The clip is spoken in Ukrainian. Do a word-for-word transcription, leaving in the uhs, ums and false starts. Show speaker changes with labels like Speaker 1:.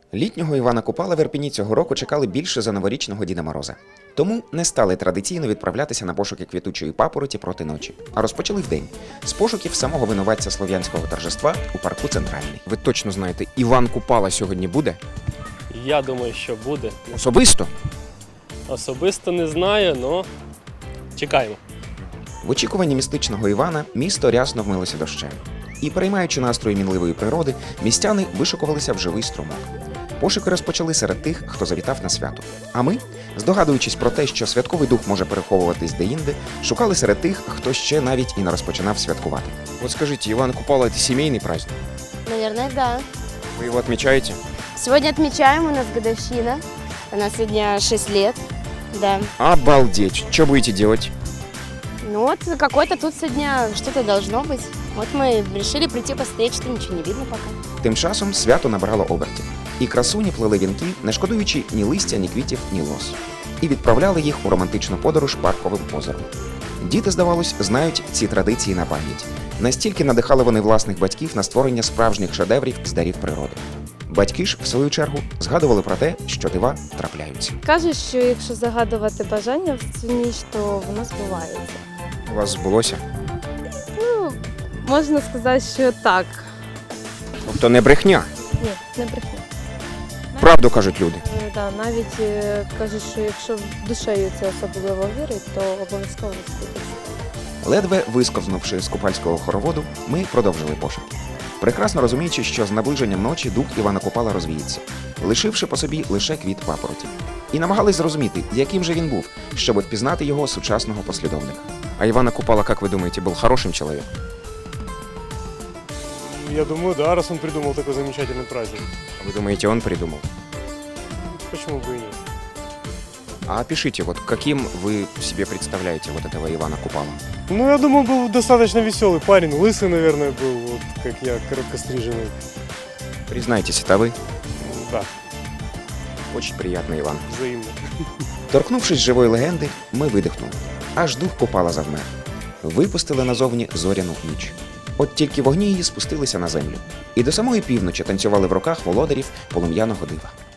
Speaker 1: Літнього Івана Купала в Ірпені цього року чекали більше за новорічного Діда Мороза. Тому не стали традиційно відправлятися на пошуки квітучої папороті проти ночі, а розпочали вдень з пошуків самого винуватця слов'янського торжества у парку Центральний.
Speaker 2: Ви точно знаєте, Іван Купала сьогодні буде?
Speaker 3: Я думаю, що буде.
Speaker 2: Особисто?
Speaker 3: Особисто не знаю, але чекаємо.
Speaker 1: В очікуванні містичного Івана місто рясно вмилося дощем. І, переймаючи настрої мінливої природи, містяни вишукувалися в живий струмок. Пошуки розпочали серед тих, хто завітав на свято. А ми, здогадуючись про те, що святковий дух може переховуватись деінде, шукали серед тих, хто ще навіть і не розпочинав святкувати.
Speaker 2: Вот скажите, Иван Купала – это семейный праздник?
Speaker 4: Наверное, да.
Speaker 2: Вы его отмечаете?
Speaker 4: Сегодня отмечаем, у нас годовщина. Она сегодня шесть лет. Да.
Speaker 2: Обалдеть! Что будете делать?
Speaker 4: Ну вот какой-то тут сегодня что-то должно быть. Вот мы решили прийти посмотреть, что ничего не видно пока.
Speaker 1: Тим часом свято набрало обертів. І красуні плели вінки, не шкодуючи ні листя, ні квітів, ні лос. І відправляли їх у романтичну подорож парковим озером. Діти, здавалось, знають ці традиції на пам'ять. Настільки надихали вони власних батьків на створення справжніх шедеврів з дарів природи. Батьки ж, в свою чергу, згадували про те, що дива трапляються.
Speaker 5: Кажуть, що якщо загадувати бажання в цю ніч, то воно збувається.
Speaker 2: У вас збулося?
Speaker 5: Ну, можна сказати, що так.
Speaker 2: Тобто не брехня?
Speaker 5: Ні, не брехня.
Speaker 2: Правду кажуть люди.
Speaker 5: Е, Да, навіть е, кажуть, що якщо душею це особливо вірить, то обов'язково збудеться.
Speaker 1: Ледве висковзнувши з купальського хороводу, ми продовжили пошуки. Прекрасно розуміючи, що з наближенням ночі дух Івана Купала розвіється, лишивши по собі лише квіт папороті. І намагались зрозуміти, яким же він був, щоб впізнати його сучасного послідовника.
Speaker 2: А Ивана Купала, как вы думаете, был хорошим человеком?
Speaker 6: Я думаю, да, раз он придумал такой замечательный праздник.
Speaker 2: А вы думаете, он придумал?
Speaker 6: Почему бы и нет?
Speaker 2: А опишите, вот каким вы себе представляете вот этого Ивана Купала?
Speaker 6: Ну, я думаю, был достаточно веселый парень. Лысый, наверное, был, вот как я, короткостриженный.
Speaker 2: Признайтесь, это вы?
Speaker 6: Да,
Speaker 2: Очень приятный Иван.
Speaker 6: взаимно.
Speaker 1: Торкнувшись живої легенди, ми видихнули. Аж дух Купала завмер. Випустили назовні зоряну ніч. От тільки вогні її спустилися на землю. І до самої півночі танцювали в руках володарів полум'яного дива.